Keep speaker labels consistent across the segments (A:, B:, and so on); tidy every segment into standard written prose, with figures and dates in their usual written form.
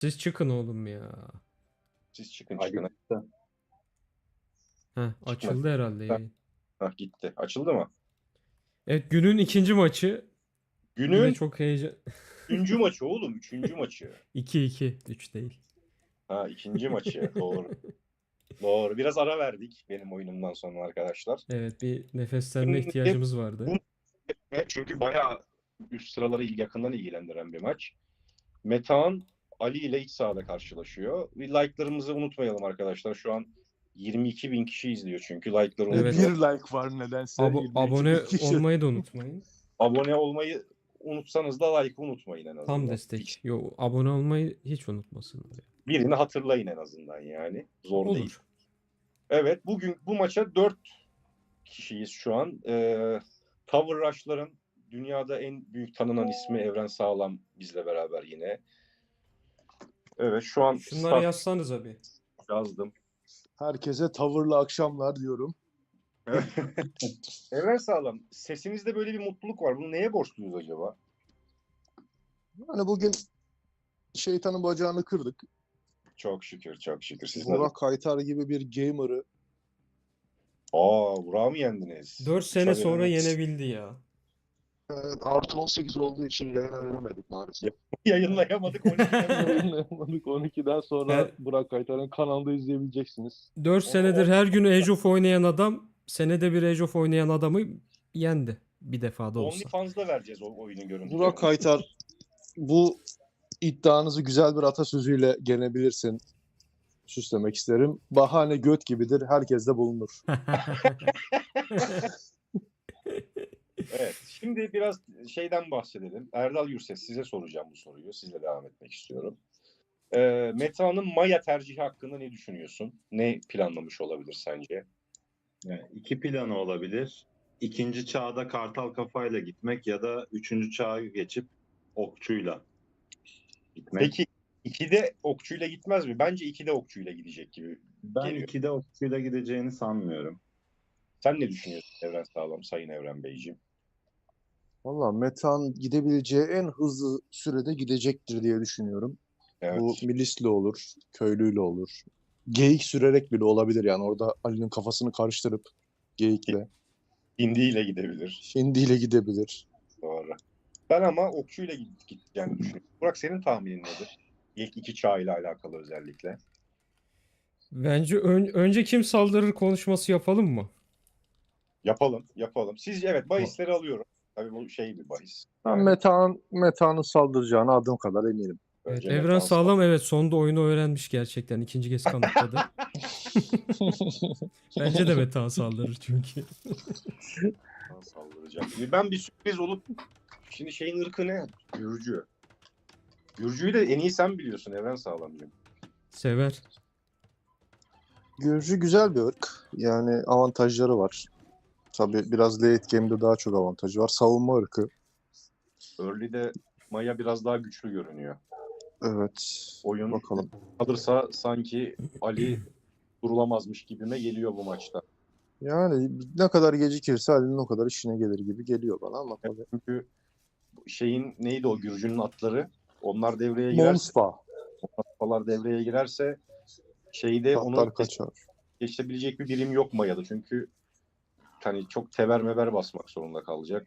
A: Siz çıkın oğlum ya.
B: Siz çıkın
C: Hadi
B: çıkın.
C: gitti.
A: Heh, açıldı herhalde yayın.
B: Hah, gitti. Açıldı mı?
A: Evet, günün ikinci maçı. Yine
B: Günün
A: çok heyecan.
B: 3. maçı oğlum. 3. maçı.
A: 2-2. 3 değil.
B: Ha, ikinci maçı. Doğru. Doğru. Biraz ara verdik benim oyunumdan sonra arkadaşlar.
A: Evet, bir nefeslenme
B: Şimdi
A: ihtiyacımız vardı.
B: çünkü bayağı üst sıraları yakından ilgilendiren bir maç. Metehan Ali ile iç sahada karşılaşıyor. Bir like'larımızı unutmayalım arkadaşlar. Şu an 22 bin kişi izliyor çünkü. Like'ları
A: Evet.
B: unutmayalım.
C: Bir like var nedense.
A: Abone
C: 22 kişi.
A: olmayı da unutmayın.
B: Abone olmayı unutsanız da like'ı unutmayın en azından.
A: Tam destek. Yo, abone olmayı hiç unutmasınlar.
B: Birini hatırlayın en azından yani. Zor
A: Olur.
B: değil. Evet, bugün bu maça 4 kişiyiz şu an. Tower Rush'ların dünyada en büyük tanınan ismi Evren Sağlam bizle beraber yine. Evet, şu an
A: Şunları yazsanız abi.
B: yazdım.
C: Herkese tavırlı akşamlar diyorum.
B: Evren Sağlam, sesinizde böyle bir mutluluk var. Bunu neye borçluyuz acaba?
C: Hani bugün şeytanın bacağını kırdık.
B: Çok şükür, çok şükür. Siz
C: Burak Kaytar gibi bir gamer'ı
B: Burak'ı mı yendiniz?
A: 4 sene
B: Tabii,
A: sonra
B: evet.
A: yenebildi ya.
C: artı 18 olduğu için yayınlayamadık maalesef.
B: Yayınlayamadık 12.
C: Yayınlayamadık. 12'den sonra
A: Her-
C: Burak Kaytar'ın kanalda izleyebileceksiniz.
A: 4 senedir her gün Age of oynayan adam senede bir Age of oynayan adamı yendi. Bir defa da olsa.
B: OnlyFans'da vereceğiz o oyunun görüntülerini.
C: Burak Kaytar bu iddianızı güzel bir atasözüyle gelebilirsin. Süslemek isterim. Bahane göt gibidir. Herkes de bulunur.
B: Evet, şimdi biraz şeyden bahsedelim. Erdal Gürses, size soracağım bu soruyu. Sizle devam etmek istiyorum. Metehan'ın Maya tercihi hakkında ne düşünüyorsun? Ne planlamış olabilir sence?
D: Yani iki planı olabilir. İkinci çağda kartal kafayla gitmek ya da üçüncü çağa geçip okçuyla gitmek.
B: Peki 2'de okçuyla gitmez mi? Bence 2'de okçuyla gidecek gibi
D: Ben
B: geliyor.
D: ikide okçuyla gideceğini sanmıyorum.
B: Sen ne düşünüyorsun Evren Sağlam, Sayın Evren Beyciğim?
C: Valla Metehan gidebileceği en hızlı sürede gidecektir diye düşünüyorum.
B: Evet.
C: Bu milisle olur, köylüyle olur. Geyik sürerek bile olabilir yani. Orada Ali'nin kafasını karıştırıp geyikle,
B: Hindiyle gidebilir.
C: hindiyle gidebilir.
B: Doğru. Ben ama okçuyla gideceğini düşünüyorum. Burak, senin tahminin nedir? İlk 2 çağıyla alakalı özellikle.
A: Bence önce kim saldırır konuşması yapalım mı?
B: Yapalım, yapalım. Sizce evet, bahisleri alıyorum. Tabii bu şey bir bahis.
C: Ben
B: Yani
C: Metehan'ın saldıracağına adım kadar eminim.
A: Evet,
B: önce
A: Evren
B: Metehan
A: Sağlam evet sonda oyunu öğrenmiş gerçekten. İkinci kez kanıtladı. Bence de Metehan saldırır çünkü.
B: saldıracak. Ben bir sürpriz olup şimdi şeyin ırkı ne? Gürcü. Gürcüyü de en iyi sen biliyorsun Evren Sağlamcığım.
A: Sever.
C: Gürcü güzel bir ırk. Yani avantajları var. Tabii biraz late game'de daha çok avantajı var. Savunma ırkı.
B: Early'de Maya biraz daha güçlü görünüyor.
C: Evet.
B: Oyun
C: Bakalım.
B: kalırsa sanki Ali durulamazmış gibime geliyor bu maçta.
C: Yani ne kadar gecikirse Ali'nin o kadar işine gelir gibi geliyor bana ama tabii.
B: Çünkü şeyin neydi o Gürcü'nün atları? Onlar devreye girerse,
C: Monspa.
B: atlar devreye girerse şeyde onu
C: Tatlar kaçar.
B: geçebilecek bir birim yok Maya'da. Çünkü hani çok tever mever basmak zorunda kalacak.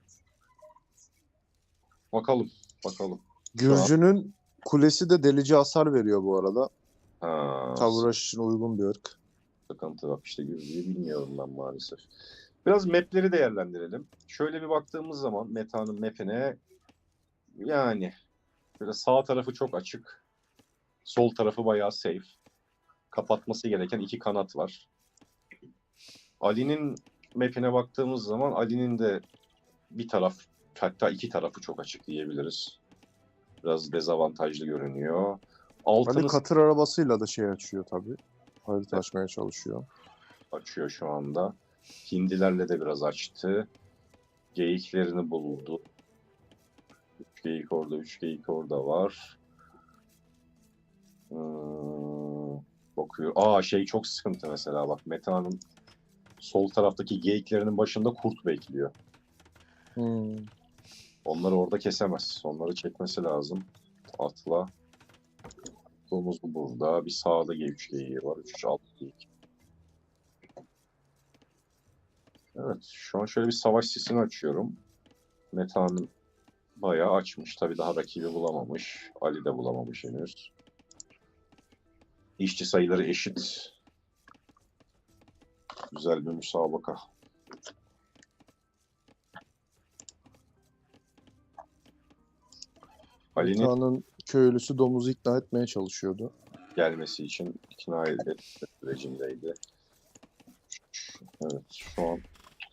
B: Bakalım.
C: Gürcü'nün kulesi de delici hasar veriyor bu arada.
B: Ha,
C: Tavraş için uygun bir ırk.
B: sıkıntı bak işte Gürcü'yü bilmiyorum ben maalesef. Biraz mapleri değerlendirelim. Şöyle bir baktığımız zaman Meta'nın mapine yani böyle sağ tarafı çok açık. Sol tarafı bayağı safe. Kapatması gereken 2 kanat var. Ali'nin mapine baktığımız zaman Ali'nin de bir taraf hatta 2 tarafı çok açık diyebiliriz. Biraz dezavantajlı görünüyor.
C: Ali
B: Altını
C: katır arabasıyla da şey açıyor tabii. Harita açmaya çalışıyor.
B: açıyor şu anda. Hindilerle de biraz açtı. Geyiklerini buldu. 3 geyik orada, 3 geyik orada var. Bakıyor. Şey çok sıkıntı mesela bak. Meta'nın sol taraftaki geyiklerinin başında kurt bekliyor. Onları orada kesemez. Onları çekmesi lazım. Atla. Domuz bu burada. Bir sağda G3 geyiği var. 3-3-6 geyik. Evet. Şu an şöyle bir savaş sesini açıyorum. Metehan'ın bayağı açmış. Tabii daha rakibi bulamamış. Ali de bulamamış henüz. İşçi sayıları eşit. Güzel bir müsabaka. Ali'nin
C: Metehan'ın köylüsü domuzu ikna etmeye çalışıyordu.
B: gelmesi için ikna etme sürecindeydi. Evet, şu an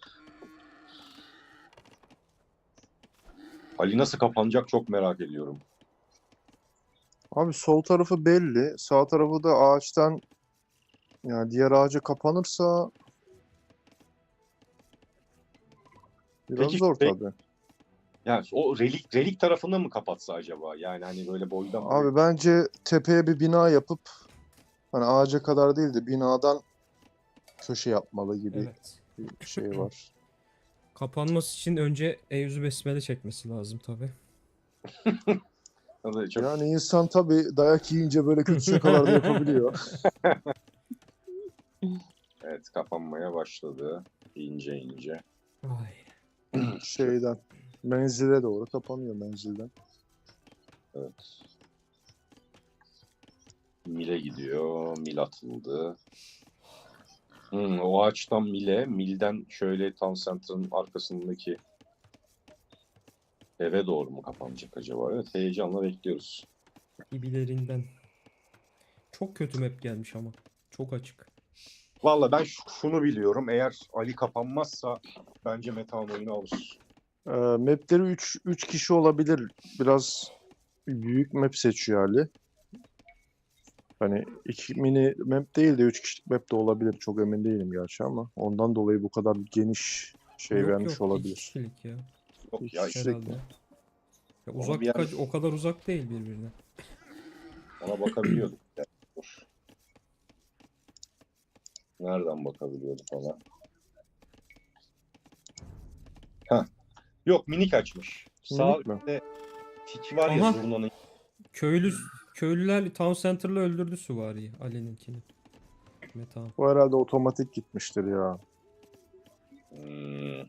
B: Ali nasıl kapanacak çok merak ediyorum.
C: Abi sol tarafı belli. Sağ tarafı da ağaçtan, yani diğer ağaca kapanırsa biraz
B: Peki,
C: zor
B: peki.
C: tabii.
B: Yani o relik tarafını mı kapatsa acaba? Yani hani böyle boydan
C: Abi bence tepeye bir bina yapıp hani ağaca kadar değil de binadan köşe yapmalı gibi
A: Evet.
C: bir şey var.
A: Kapanması için önce Eûzü Besmele çekmesi lazım tabii.
B: çok
C: Yani insan tabii dayak yiyince böyle kötü şakalar da yapabiliyor.
B: evet kapanmaya başladı. İnce ince.
A: Ay.
C: Şeyden menzile doğru kapanıyor menzilden.
B: Evet. Mile gidiyor. Mil atıldı. O ağaçtan Mile. Mil'den şöyle Town Center'ın arkasındaki eve doğru mu kapanacak acaba? Evet, heyecanla bekliyoruz.
A: Gibilerinden. Çok kötü map gelmiş ama. Çok açık.
B: Valla ben şunu biliyorum. Eğer Ali kapanmazsa bence Metehan oyunu alır.
C: Mapleri 3 kişi olabilir. Biraz büyük map seçiyor Ali. Hani 2 mini map değil de 3 kişilik map de olabilir. Çok emin değilim gerçi ama ondan dolayı bu kadar geniş şey
A: Yok
C: vermiş
A: yok. İki
C: olabilir.
A: kişilik ya.
B: Yok ya
C: İki
B: işte
A: Herhalde.
C: mi?
A: Ya
B: Onu
A: uzaklık
B: bir yer-
A: o kadar uzak değil birbirine.
B: ona bakabiliyorduk. Yani. Dur. Nereden bakabiliyorduk ona? Heh. Yok minik açmış. Sağ
C: Minik mi?
B: üstte tiki var ya
A: Aha.
B: zurnanın.
A: Köylüler Town Center'la öldürdü süvariyi. Ali'ninkini. Metehan.
C: Bu herhalde otomatik gitmiştir ya.
B: Hmm.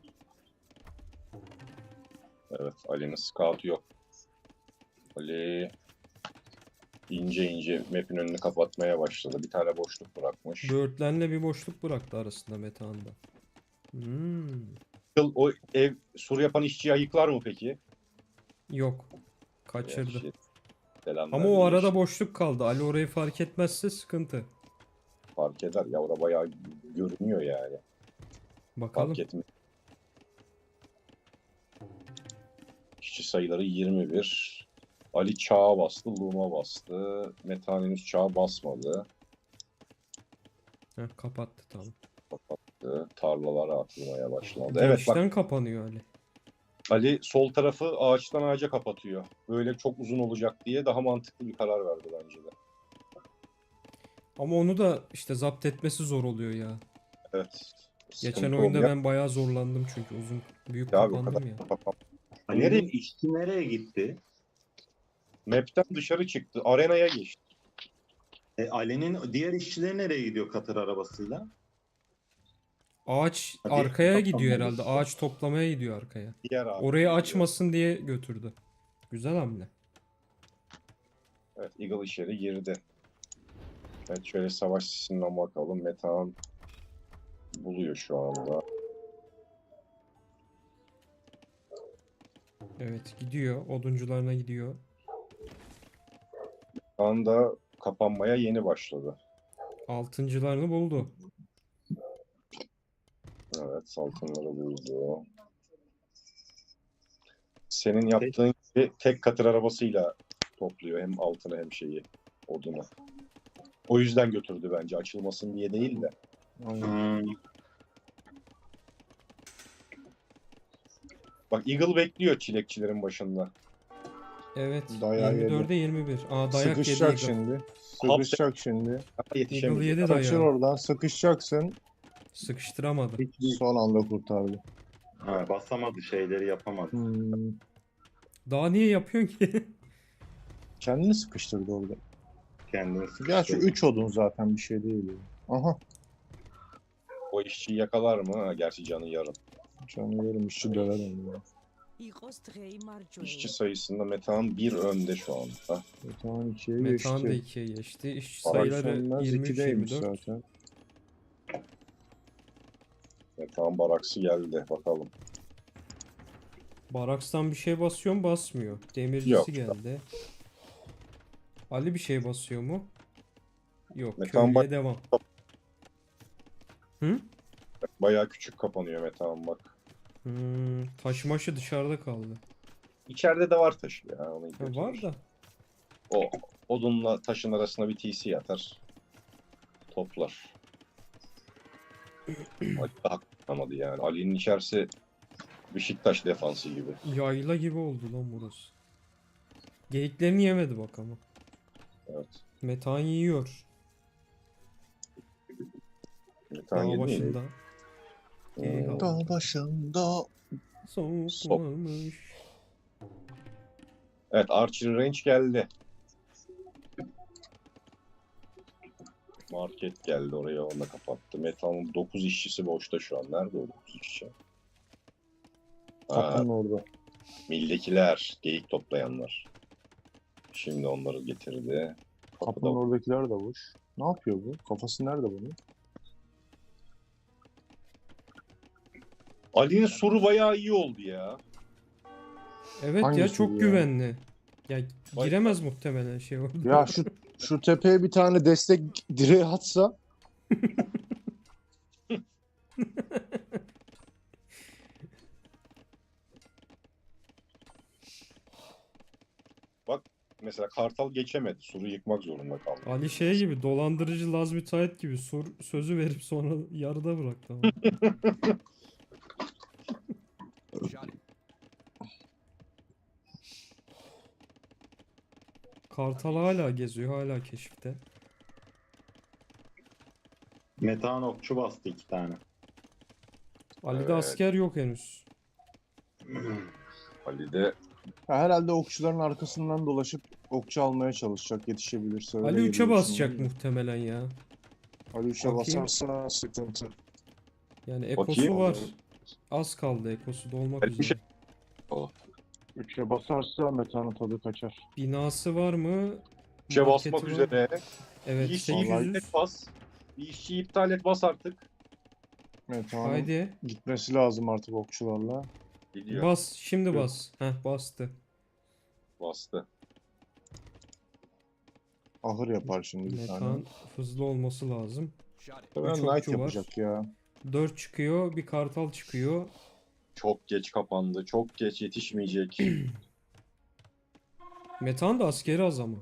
B: Evet Ali'nin scout'u yok. Ali ince ince map'in önünü kapatmaya başladı. Bir tane boşluk bırakmış.
A: Böğürtlenle bir boşluk bıraktı arasında Metehan'da. Hmm.
B: O ev sur yapan işçiyi ayıklar mı peki?
A: Yok. Kaçırdı.
B: Gerçi selam
A: Ama o
B: verdi,
A: arada
B: geçti.
A: boşluk kaldı. Ali orayı fark etmezse sıkıntı.
B: Fark eder. Ya orada bayağı görünüyor yani.
A: Bakalım.
B: Fark etmiyor. İşçi sayıları 21. Ali çağa bastı, Luma bastı. Metehan henüz çağa basmadı.
A: Heh, kapattı tamam.
B: Kapattı. Tarlalara atılmaya başladı. Evet bak
A: Girişten kapanıyor Ali.
B: Ali sol tarafı ağaçtan ağaca kapatıyor. Böyle çok uzun olacak diye daha mantıklı bir karar verdi bence de.
A: Ama onu da işte zapt etmesi zor oluyor ya.
B: Evet.
A: Geçen
B: Sıkıntı
A: oyunda
B: olmuyor.
A: ben bayağı zorlandım çünkü büyük
B: Ya abi o kadar
A: kapandım ya.
D: Ali'nin
B: Nereye?
D: işçi nereye gitti?
B: Map'ten dışarı çıktı. Arenaya geçti.
D: Ali'nin diğer işçileri nereye gidiyor katır arabasıyla?
A: Ağaç
D: Hadi,
A: arkaya gidiyor
D: kapanmadı.
A: herhalde. Ağaç toplamaya gidiyor arkaya.
B: Diğer abi
A: Orayı
B: gidiyor.
A: açmasın diye götürdü. Güzel hamle.
B: Evet Eagle içeri girdi. Evet şöyle savaş sisinden bakalım. Metehan buluyor şu anda.
A: Evet gidiyor. Oduncularına gidiyor.
B: Şu anda kapanmaya yeni başladı.
A: Altıncılarını buldu.
B: Evet altınları buldu. Senin yaptığın gibi tek katır arabasıyla topluyor hem altını hem şeyi odunu. O yüzden götürdü bence açılmasın diye değil de.
D: Hmm.
B: Bak Eagle bekliyor çilekçilerin başında.
A: Evet.
C: Dayağı
A: 24'e 21. Aa dayak yedi
C: Sıkışacak
A: Eagle.
C: şimdi. Sıkışacak şimdi.
B: Daha
A: Eagle
B: yetişemedi.
A: yedi
C: Kaçır
A: dayağı.
C: oradan. Sıkışacaksın.
A: Sıkıştıramadı.
C: Son anda kurtardı.
D: Ha, basamadı şeyleri yapamadı.
C: Hmm.
A: Daha niye yapıyorsun ki?
C: Kendini sıkıştırdı orada.
D: Kendini
C: Gerçi
D: sıkıştırdı.
C: 3 odun zaten bir şey değil. Aha.
B: O işçiyi yakalar mı? Ha, gerçi canı yarım.
C: Canı yerim işçi döver onu ya.
B: İşçi sayısında Metehan 1 önde şu anda.
C: Tamam 2'ye
A: Metehan da
C: geçti.
A: 2'ye geçti. İşçi
B: Bak,
A: sayıları
C: Sönmez 2'deymiş
A: 23-24.
C: zaten.
B: Metehan baraksı geldi. Bakalım.
A: Barakstan bir şey basıyor mu? Basmıyor. Demircisi
B: Yok.
A: geldi. Ali bir şey basıyor mu? Yok.
B: Metehan
A: Köylüye devam. Hı?
B: Bayağı küçük kapanıyor Metehan bak.
A: Taşımaşı dışarıda kaldı.
B: İçeride de var taşı ya. Onu
A: Ha,
B: götürür.
A: var da.
B: O odunla taşın arasına bir TC atar. Toplar. Ali daha kapanamadı yani. Ali'nin içerisi Beşiktaş defansı gibi.
A: Yayla gibi oldu lan burası. Geyiklerini yemedi bak ama.
B: Evet.
A: Metehan yiyor.
B: Metehan
A: Dağ
B: yedi mi?
A: başında. Geyik aldı.
C: Dağ başında.
A: Soğuklamış.
B: Evet, Archer Range geldi. Market geldi oraya, onu da kapattı. Metan'ın 9 işçisi boşta şu an. Nerede o 9 işçi? Ha,
C: Kapının orada.
B: mildekiler, geyik toplayanlar. Şimdi onları getirdi.
C: Kapının
B: Kapıda
C: oradakiler de boş. Ne yapıyor bu? Kafası nerede bunun?
B: Ali'nin suru bayağı iyi oldu ya.
A: Evet ya
C: Hangisi
A: çok
C: bu ya?
A: güvenli. Ya
B: Vay
A: giremez muhtemelen şey orada.
C: Ya şu tepeye bir tane destek direği atsa
B: Mesela Kartal geçemedi. Suru yıkmak zorunda kaldı.
A: Ali şey gibi dolandırıcı Laz müteahhit gibi sözü verip sonra yarıda bıraktı ama. Kartal hala geziyor, hala keşifte.
D: Metehan okçu bastı 2 tane.
A: Ali'de
B: Evet.
A: asker yok henüz.
B: Ali de
C: ya herhalde okçuların arkasından dolaşıp okçu almaya çalışacak yetişebilirse. Öyle
A: Ali 3'e
C: geliyor
A: basacak
C: içimden de.
A: muhtemelen ya.
C: Ali 3'e
A: Bakayım.
C: basarsa sıkıntı.
A: Yani ekosu
B: Bakayım.
A: var. Az kaldı ekosu dolmak
B: Ali bir
A: üzere.
B: şey-
C: 3'e basarsa metanın tadı kaçar.
A: Binası var mı?
B: işe
A: Marketi
B: basmak
A: var.
B: üzere.
A: Evet
B: Bir işçiyi
C: Vallahi-
A: 800.
B: iptal et bas. Bir işçiyi iptal et bas artık.
C: Metanın
A: Haydi.
C: gitmesi lazım artık okçularla.
B: Gidiyor.
A: Bas. Şimdi
C: Yok.
A: bas. Heh bastı.
B: Bastı.
C: Ahır yapar şimdi bir tane.
A: Metan hızlı olması lazım.
C: Ben
A: Üç
C: Knight
A: okçu var.
C: yapacak ya.
A: 4 çıkıyor. Bir kartal çıkıyor.
B: Çok geç kapandı. Çok geç, yetişmeyecek.
A: Metan da askeri az ama.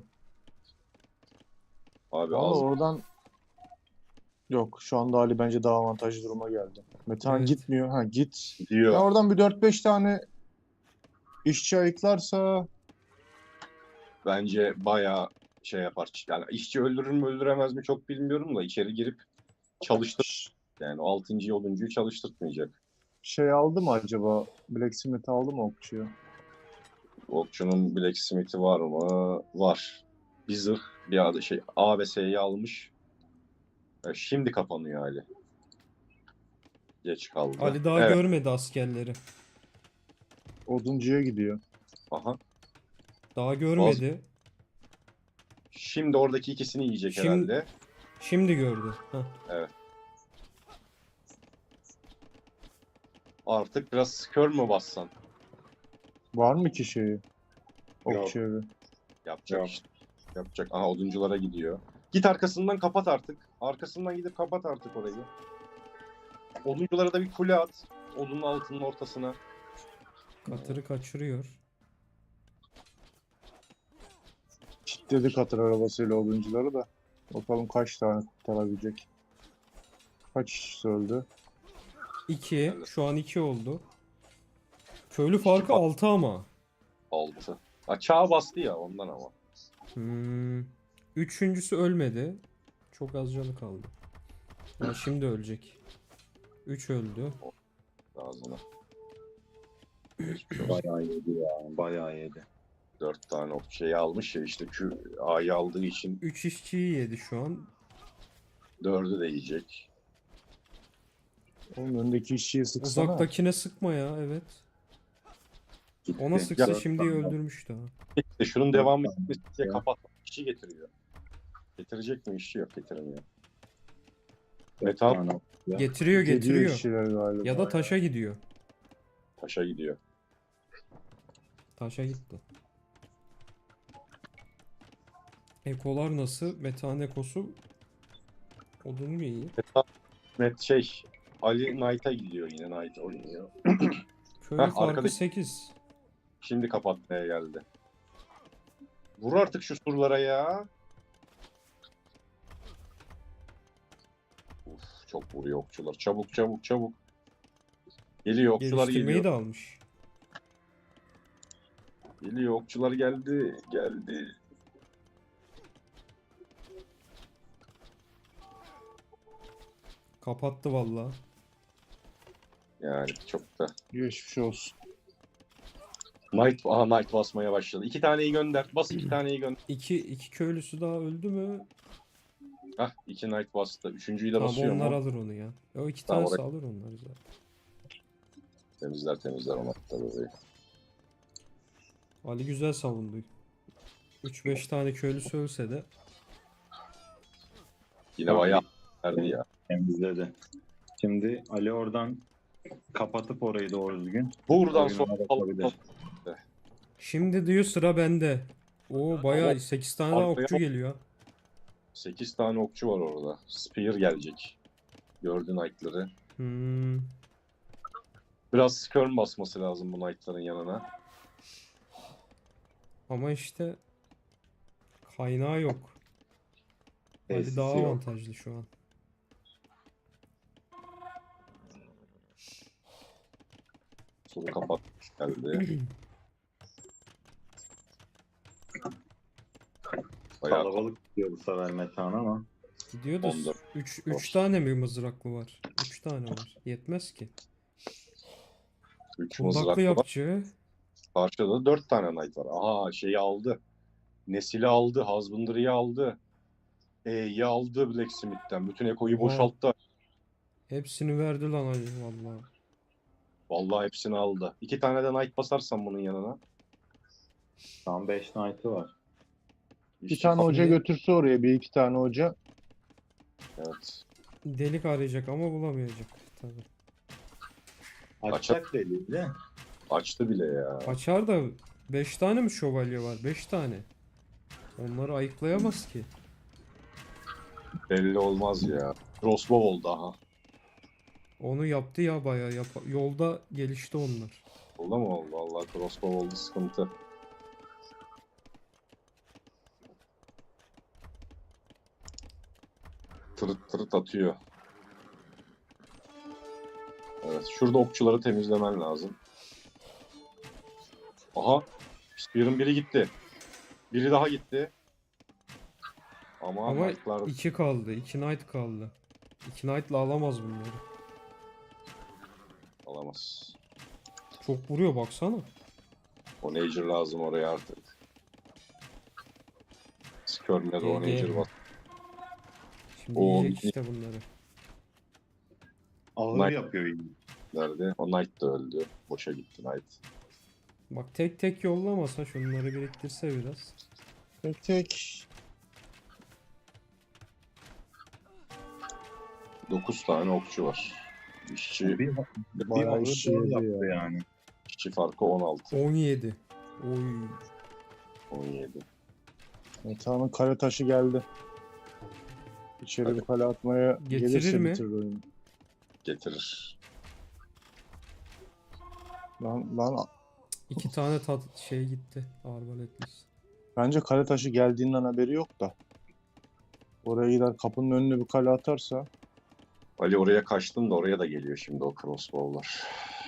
B: Abi
C: Valla
B: az.
C: oradan yok. Şu anda Ali bence daha avantajlı duruma geldi. Metehan
A: Evet.
C: gitmiyor. Ha git. Ya
B: Gidiyor.
C: oradan bir 4-5 tane işçi ayıklarsa
B: Bence bayağı şey yapar. Yani işçi öldürür mü öldüremez mi çok bilmiyorum da içeri girip çalıştır. Yani o 6. 10'uncuyu çalıştırtmayacak.
C: şey aldı mı acaba? Blacksmith aldı mı okçuyu?
B: Okçunun Blacksmith'i var mı? Var. Bir zırh, bir adı şey A ve S'yi almış. Şimdi kapanıyor Ali. Geç kaldı.
A: Ali daha
B: Evet.
A: görmedi askerleri.
C: Oduncuya gidiyor.
B: Aha.
A: Daha görmedi.
B: Şimdi oradaki ikisini yiyecek
A: Şimdi-
B: herhalde.
A: Şimdi gördü. Heh.
B: Artık biraz kör mü bassan?
C: Var mı ki şeyi? Okçu evi.
B: Yapacak
D: Yok.
B: işte. Yapacak. Aha odunculara gidiyor. Git arkasından kapat artık. Arkasından gidip kapat artık orayı. Odunculara da bir kule at. Odunun altının ortasına.
A: Katırı kaçırıyor.
C: Kilitledi katır arabasıyla oduncuları da. Bakalım kaç tane kurtarabilecek. Kaç kişi öldü?
A: 2. Şu an 2 oldu. Köylü farkı 6 ama.
B: 6. Çağa bastı ya ondan ama.
A: Üçüncüsü ölmedi. Çok az canı kaldı. Ha, şimdi ölecek. 3 öldü.
B: Ağzına. Geçmiş olsun.
D: Bayağı yedi ya. Bayağı yedi.
B: 4 tane okçayı almış ya işte A'yı aldığı için
A: 3 işçiyi yedi şu an.
B: 4'ü de yiyecek.
C: Oğlum öndeki işçiyi sıksana.
A: Uzaktakine sıkma ya, evet.
D: Gitti.
A: Ona sıksa
B: Ya-
A: şimdi öldürmüştü ha.
B: İşte şunun
D: Dört
B: devamı
D: tane
B: diye
D: ya.
B: kapatmak işi getiriyor. Getirecek mi? İşi yok, getirmiyor.
D: 4
B: Metal
D: tane okçu.
A: Getiriyor
C: Gidiyor
A: getiriyor.
C: işçiler galiba.
A: Ya da taşa gidiyor.
B: taşa gidiyor.
A: Taşa gitti. Ekolar nasıl? Metehan ekosu odun mu iyi?
B: Ali Knight'a gidiyor, yine Knight oynuyor.
A: Köylü
B: Heh,
A: farkı
B: arkadaki-
A: 8.
B: Şimdi kapatmaya geldi. Vur artık şu surlara ya. Uf, çok vuruyor okçular. Çabuk çabuk çabuk. Geliyor okçular
A: Geliştirmeyi
B: geliyor.
A: de almış.
B: Geliyor okçular geldi. Geldi.
A: Kapattı vallahi.
B: Yani çok da.
C: Geçmiş olsun.
B: Knight basmaya başladı. 2 taneyi gönder. Bas 2 taneyi gönder.
A: İki köylüsü daha öldü mü?
B: Hah 2 Knight bastı. Üçüncüyü de
A: Tamam,
B: basıyor
A: onlar
B: mu?
A: alır onu ya. O iki
B: Tamam,
A: tanesi
B: oraya-
A: alır onları zaten.
B: Temizler o Knight'ları orayı.
A: Ali güzel savundu. 3-5 tane köylüsü ölse de
B: Yine bayağı verdi ya.
D: Temizledi. Şimdi Ali oradan kapatıp orayı doğru düzgün.
B: Buradan
D: oyununa
B: sonra
D: bakabilir.
A: şimdi diyor sıra bende. Oo bayağı 8 tane daha
B: Arkaya
A: okçu
B: bak.
A: geliyor.
B: 8 tane okçu var orada. Spear gelecek. Gördü Knight'ları.
A: Hmm.
B: Biraz skirm basması lazım bu Knight'ların yanına.
A: Ama işte kaynağı yok. Ali
D: Tesisi
A: daha
D: yok.
A: avantajlı şu an.
B: Suru kapatmış geldi. Bayağı
D: Kalabalık gidiyor bu sefer Metehan ama.
A: Gidiyor da
B: 14.
A: 3 tane mi mızraklı var? 3 tane var. Yetmez ki.
B: 3
A: Kundaklı
B: mızraklı var.
A: yapıcı.
B: Karşıda 4 tane Knight var. Aha şeyi aldı. Nesil'i aldı. Husbandry'i aldı. E'yi aldı Blacksmith'ten. Bütün Eko'yu
A: Oha.
B: boşalttı.
A: Hepsini verdi lan Ali vallahi.
B: Vallahi hepsini aldı. 2 tane de Knight basarsan bunun yanına.
D: Şu an 5 Knight'ı var.
C: Bir tane hoca
A: Şimdi-
C: götürse oraya, bir iki tane hoca.
B: Evet.
A: Delik arayacak ama bulamayacak tabii.
D: Açacak deliği de.
B: Açtı bile ya.
A: Açar da 5 tane mi şövalye var? 5 tane. Onları ayıklayamaz ki.
B: Belli olmaz ya. Crossbow oldu aha.
A: Onu yaptı ya bayağı. Yolda gelişti onlar.
B: Oldu mu oldu? Vallahi crossbow oldu, sıkıntı. Tırıt tırıt atıyor. Evet, şurada okçuları temizlemen lazım. Aha, Spear'ın biri gitti. Biri daha gitti. Ama
A: Ama
B: Knight'lar
A: 2 kaldı. 2 knight kaldı. 2 knight'la alamaz bunları.
B: alamaz.
A: Çok vuruyor baksana.
B: O Nager lazım oraya artık. Skirm'le de o
A: GG.
B: Nager bas.
A: Şimdi
B: O
A: yiyecek işte bunları.
D: Ağır
B: Knight-
D: yapıyor yine.
B: Nerede? O Knight da öldü. Boşa gitti Knight.
A: Bak tek tek yollamasa şunları biriktirse biraz.
C: Tek tek.
B: 9 tane okçu var. İşçi,
D: Bir
C: Bayağı
D: ağır
C: işçi
D: doğru
C: yedi
D: yaptı
C: ya.
D: yani.
B: işçi farkı 16.
A: 17. Oy.
B: 17.
C: Metehan'ın kale taşı geldi. İçeri
B: Hadi.
C: bir kale atmaya
A: Getirir
C: gelirse
A: mi?
C: bitirir oyunu.
B: Getirir.
C: Lan
A: 2 tane şey gitti. Arbaletlisi.
C: bence kale taşı geldiğinden haberi yok da. Oraya gider kapının önüne bir kale atarsa
B: Ali oraya kaçtın da oraya da geliyor şimdi o crossbow'lar.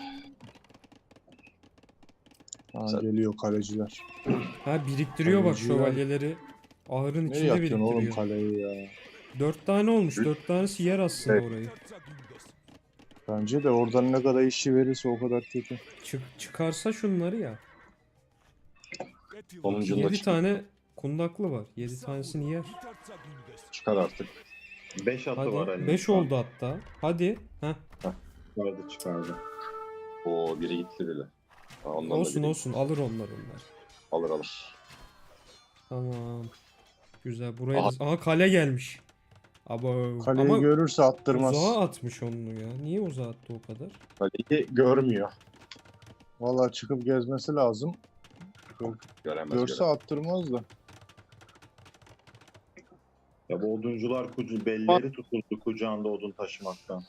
C: ha,
B: Sen-
C: geliyor kaleciler.
A: Ha biriktiriyor bak
C: Kaleciler-
A: şövalyeleri. Ahırın
C: Nereye
A: içinde
C: atıyorsun oğlum
A: biriktiriyor.
C: kaleyi ya?
A: 4 tane olmuş.
B: Üç-
A: 4 tanesi yer aslında
B: Evet.
A: orayı.
C: Bence de oradan ne kadar işi verirse o kadar kötü.
A: Çıkarsa şunları ya.
B: Sonuncunda
A: 7 tane kundaklı var. 7 tanesini yer.
B: çıkar artık.
D: 5 atı var
A: Hadi.
D: Ali.
A: 5 oldu hatta. Hadi. Heh.
D: Çıkardı.
B: O biri gitti bile. Ha, ondan da
A: Olsun
B: biri
A: olsun. Alır onlar.
B: alır alır.
A: Tamam. Güzel. Buraya
B: Aha.
A: da... Aha kale gelmiş. Abo.
C: Kaleyi
A: Ama
C: görürse attırmaz.
A: uzağa atmış onu ya. Niye uzağa attı o kadar?
B: Kaleyi görmüyor.
C: Valla çıkıp gezmesi lazım.
B: Göremez.
C: Görse attırmaz da.
D: Ya bu oduncular belleri tutuldu kucağında odun taşımaktan.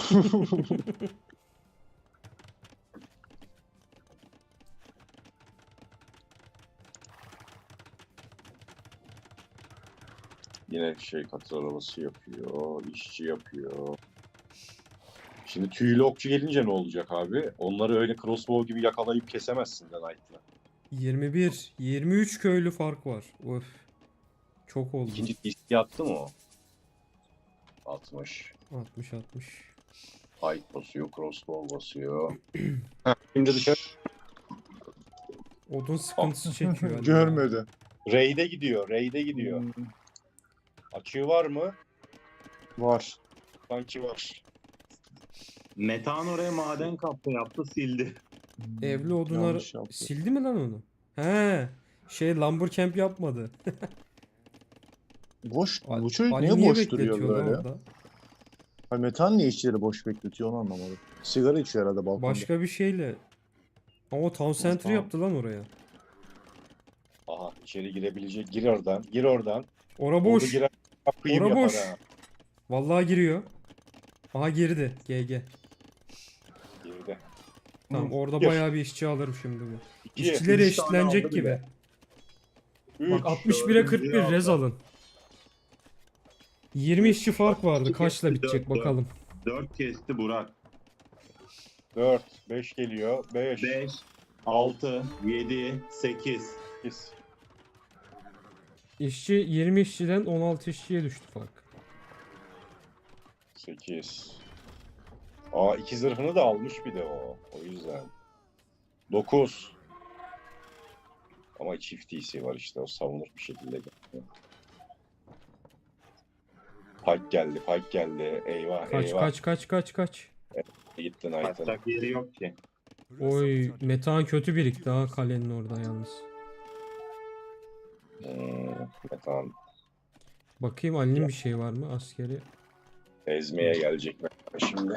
B: Yine katır arabası yapıyor. İşçi yapıyor. Şimdi tüylü okçu gelince ne olacak abi? Onları öyle crossbow gibi yakalayıp kesemezsin de Knight'la.
A: 21. 23 köylü fark var. Öf. Çok oldu.
B: İkinci diski attı mı o? 60.
A: 60.
B: Pike basıyor, crossbow basıyor. Heh, şimdi dışarı.
A: Odun sıkıntısı çekiyor. Ali.
C: Görmedi.
B: Raid'e gidiyor, raid'e gidiyor.
C: Hmm,
B: Açığı var mı?
C: var.
B: Sanki var.
D: Metan oraya maden kapı yaptı sildi.
A: Evli odunları
C: Yanlış yaptı.
A: sildi mi lan onu? He. Lumber camp yapmadı.
C: Boş.
A: Ali-
C: Bu çocuk
A: Ali
C: niye boş duruyor
A: bekletiyor lan
C: böyle?
A: orada?
C: Ha, Metan niye işçileri boş bekletiyor onu anlamadım. Sigara içiyor herhalde balkonda.
A: Başka bir şeyle. Ama o town center
C: Tamam.
A: yaptı lan oraya.
B: Aha içeri girebilecek. Gir oradan, gir oradan.
A: Ora
B: Orada
A: boş.
B: girer, kıyım
A: Ora
B: yapar
A: boş.
B: ha.
A: Vallahi giriyor. Aha girdi. GG.
B: Girdi.
A: Tamam orada
B: Gir.
A: bayağı bir işçi alırım şimdi bu.
B: 2,
A: İşçileri
D: üç tane aldı
A: eşitlenecek
D: bile.
A: gibi.
B: 3,
A: Bak 61'e 41
D: dördüncüyü
A: rez
D: aldı.
A: alın. 20 işçi fark vardı.
D: İki
A: Kaçla
D: kesti,
A: bitecek
D: dört,
A: bakalım.
D: 4 kesti Burak.
B: 4, 5 geliyor. 5,
D: 5, 6, 7, 8.
B: 8.
A: İşçi 20 işçiden 16 işçiye düştü fark.
B: 8. Aa 2 zırhını da almış bir de o. O yüzden. 9. Ama çift DC var işte. O savunur bir şekilde. Pike geldi, Pike geldi. Eyvah,
A: Kaç
B: eyvah.
A: kaç.
B: Gitti Knight'ın.
D: Kaçacak yeri yok ki.
A: Oy metan kötü birikti ha kalenin orada yalnız.
B: Tamam.
A: Bakayım Ali'nin bir şey var mı askeri?
B: Ezmeye gelecek şimdi.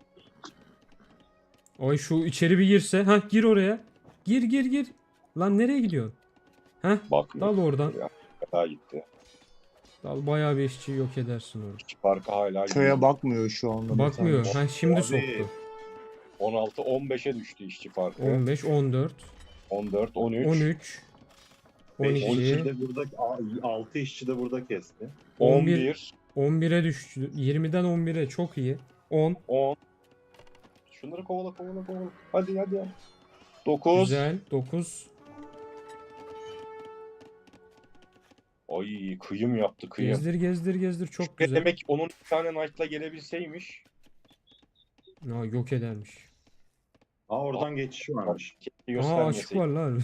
A: Oy şu içeri bir girse. Ha gir oraya. Gir. Lan nereye gidiyorsun? Heh
B: Bakmıyor.
A: dal oradan.
B: Daha gitti.
A: Dal bayağı bir işçi yok edersin orada.
B: İki farkı hala
C: Köye bakmıyor şu anda.
A: Bakmıyor.
C: Metan.
A: Ha şimdi
D: Abi.
A: soktu.
B: 16 15'e düştü işçi farkı.
A: 15, 14,
B: 14, 13,
A: 13,
D: 5 işçi
A: 12,
D: de burada, 6 işçi de burada kesti.
B: 11,
A: 11'e düştü. 20'den 11'e çok iyi. 10.
B: 10. Şunları kovala. Hadi. 9.
A: Güzel. 9.
B: Ay kıyım yaptı kıyım.
A: Gezdir. Çok
B: Ne
A: güzel.
B: demek onun bir tane Knight'la gelebilseymiş.
A: Ha, yok edermiş.
D: Oradan geçiş varmış.
B: Keşke
A: Aa açık
B: göstermeseydi.
A: var lan.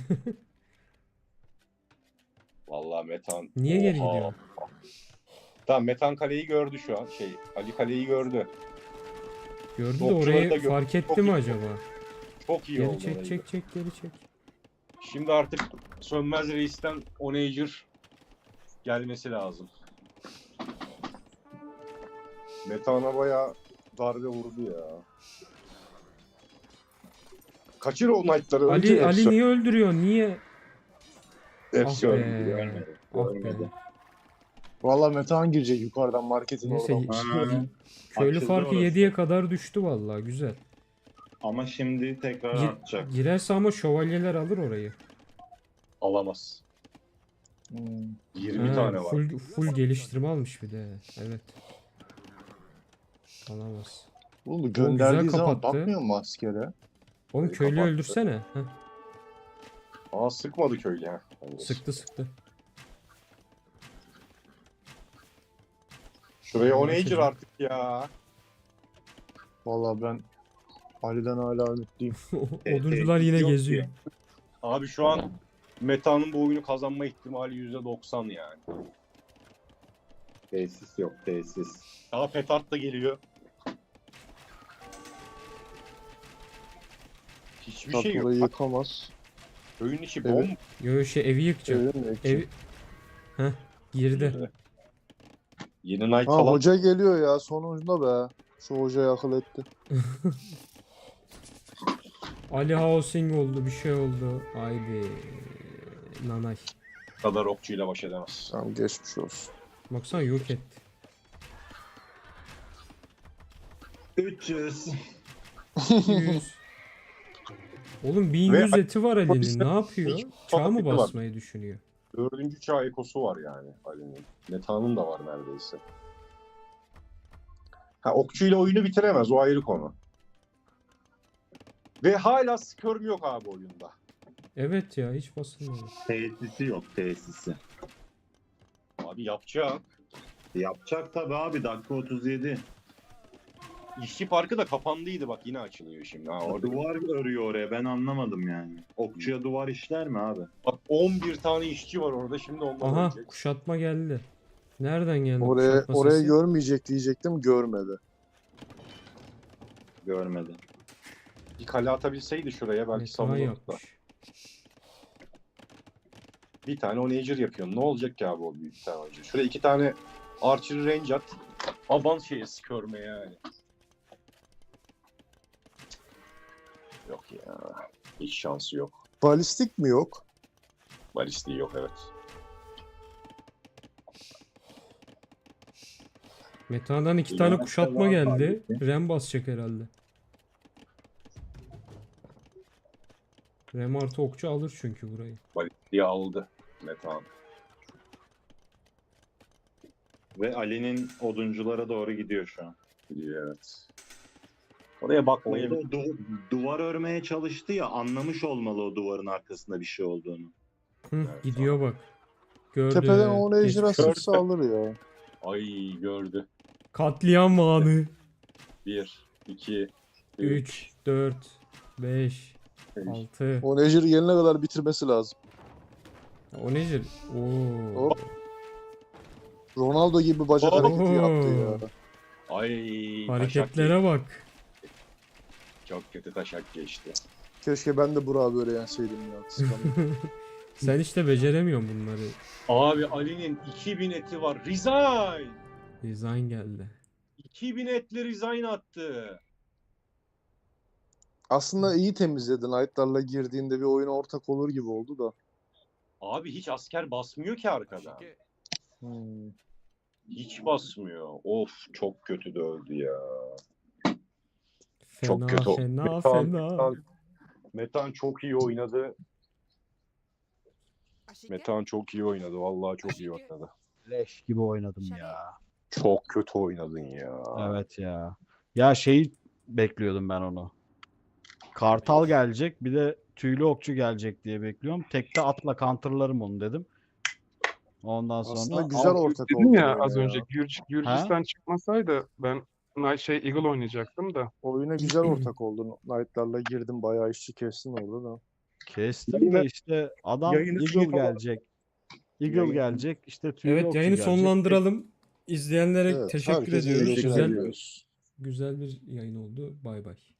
B: Vallahi Metan.
A: Niye geri
B: Oha.
A: gidiyor?
B: Tamam Metan kaleyi gördü şu an. Ali kaleyi gördü.
A: Gördü de
B: Okçuları
A: orayı
B: da gör-
A: fark etti
B: çok
A: mi
B: iyi.
A: acaba?
B: Çok iyi
A: Geri
B: oldu.
A: çek
B: orayı.
A: geri çek.
B: Şimdi artık Sönmez Reis'ten Onager gelmesi lazım. Metan'a bayağı darbe vurdu ya. Kaçır o Knight'ları.
A: Ali niye öldürüyor? Niye?
B: Hepsi
A: Ah be.
B: öldü.
A: Ah be.
D: Görmedi.
C: Valla Metan girecek yukarıdan marketin
A: Neyse,
C: oradan.
A: Köylü
D: Açıldı
A: farkı
D: orası.
A: 7'ye kadar düştü vallahi güzel.
D: Ama şimdi tekrar artacak.
A: Girerse ama şövalyeler alır orayı.
B: Alamaz.
C: Hmm.
B: 20
A: Ha,
B: tane var.
A: full geliştirme almış bir de. Evet. Alamaz.
C: Oğlum bu
A: güzel
C: gönderdiği zaman
A: kapattı.
C: bakmıyor mu askere?
A: Oğlum köylüyü
B: kapattı.
A: öldürsene. Heh,
B: Aa sıkmadı köylü ha.
A: sıktı.
B: Şuraya Onager
A: Kaçırdı.
B: artık ya.
C: Valla ben Ali'den hala ümitliyim.
A: Oduncular yine
D: Yok
A: geziyor.
D: ki.
B: Abi şu an Meta'nın bu oyunu kazanma ihtimali %90 yani.
D: Tesis yok, tesis.
B: Daha petard da geliyor. Hiçbir
C: Tat
B: şey yok.
C: orayı
B: Bak,
C: yıkamaz.
B: oyun içi
C: Evet.
B: bomb.
A: Yo evi yıkacak.
C: Evin mi ekip?
A: Ev... Heh, girdi.
B: Yeni Knight
C: Ha
B: falan.
C: hoca geliyor ya sonunda be. Şu hocayı akıl etti.
A: Ali Housing oldu, bir şey oldu. Haydi. Nanay.
B: Kadar okçuyla baş edemez.
C: Tamam geçmiş olsun.
A: Baksana yok etti.
D: 300.
A: 100. Oğlum 1100
B: Ve-
A: eti var Ali'nin.
B: Bizde-
A: Ne yapıyor? Çağ mı
B: var.
A: basmayı düşünüyor?
B: 4. çağ ekosu var yani Ali'nin. Meta'nın da var neredeyse. Ha, okçuyla oyunu bitiremez, o ayrı konu. Ve hala skirm yok abi oyunda.
A: Evet ya hiç basılmadı.
D: Tesisi yok, tesisi.
B: Abi yapacak.
D: Yapacak tabii abi, dakika 37.
B: İşçi parkı da kapandıydı, bak yine açılıyor şimdi. Ha, orada
D: Duvar örüyor oraya, ben anlamadım yani. Okçuya duvar işler mi abi?
B: bak 11 tane işçi var orada, şimdi onlar
A: Aha
B: ölecek.
A: kuşatma geldi. Nereden geldi
C: Oraya
A: kuşatma
C: oraya
A: sesi?
C: görmeyecek diyecektim görmedi.
D: Görmedi.
B: Bir kale atabilseydi şuraya belki
A: Metehan
B: savunurdu da.
A: yapmış.
B: Bir tane onager yapıyor. Ne olacak ki abi o büyük tane onager? Şuraya 2 tane archer range at. Aban şeye skirme yani. Yok ya. Hiç şansı yok.
C: Balistik mi yok?
B: Balistiği yok, evet.
A: Metehan'dan 2
D: Bir
A: tane
D: tane
A: kuşatma
D: var
A: geldi.
D: tabii
A: Rem basacak herhalde. Rem artı okçu alır çünkü burayı.
B: Balistiği aldı Metehan.
D: Ve Ali'nin odunculara doğru gidiyor şu an.
B: Biliyor, evet. Oraya bakmayı
D: Orada duvar örmeye çalıştı ya, anlamış olmalı o duvarın arkasında bir şey olduğunu.
A: Hı,
B: Evet,
A: gidiyor bak. Gördü.
C: Tepeden o
A: Geçmiş.
C: ejderha sıksa alır ya.
B: Ay gördü.
A: Katliam anı.
B: 1, 2,
A: 3, 4, 5,
B: 5.
A: 6.
C: O Nejer'i gelene kadar bitirmesi lazım.
A: O nedir? Oo.
C: Hop. Ronaldo gibi bacak
B: Oo.
C: hareketi yaptı ya.
B: Ay
A: Hareketlere bak.
B: çok kötü taşak geçti.
C: Keşke ben de Burak'ı böyle yenseydim ya. Kıskandım.
A: Sen işte beceremiyorsun bunları.
B: Abi Ali'nin 2000 eti var. Resign!
A: Design geldi.
B: 2000 etli resign attı.
C: Aslında iyi temizledi. Knight'larla girdiğinde bir oyuna ortak olur gibi oldu da.
B: Abi hiç asker basmıyor ki arkadan.
C: Hmm.
B: Hiç basmıyor. Of çok kötü dövdü ya.
A: Fena
B: Çok kötü.
A: fena fena.
B: Metan çok iyi oynadı. Metan çok iyi oynadı. Vallahi çok iyi oynadı.
E: Leş gibi oynadım ya.
B: Çok kötü oynadın ya.
E: Evet ya. Ya şeyi bekliyordum ben onu. Kartal gelecek, bir de tüylü okçu gelecek diye bekliyorum. Tekte atla counterlarım onu dedim. Ondan sonra
C: Aslında güzel ortak
F: Dedim
C: oldu
F: ya
C: oyuna
F: az
C: ya.
F: önce Gürcistan çıkmasaydı ben Eagle oynayacaktım da.
C: Oyuna güzel ortak oldu. Knight'larla girdim. Bayağı işçi kestin orada da.
E: kestim
F: Yayını-
E: de işte adam
F: yayını
E: Eagle
F: şey falan-
E: gelecek. Eagle
F: Yayını-
E: gelecek, işte tüylü
A: Evet
E: okçu
A: yayını
E: gelecek.
A: sonlandıralım. İzleyenlere
C: Evet,
A: teşekkür
C: herkese
A: ediyoruz.
C: teşekkür
A: Güzel
C: ediyoruz.
A: güzel bir yayın oldu. Bay bay.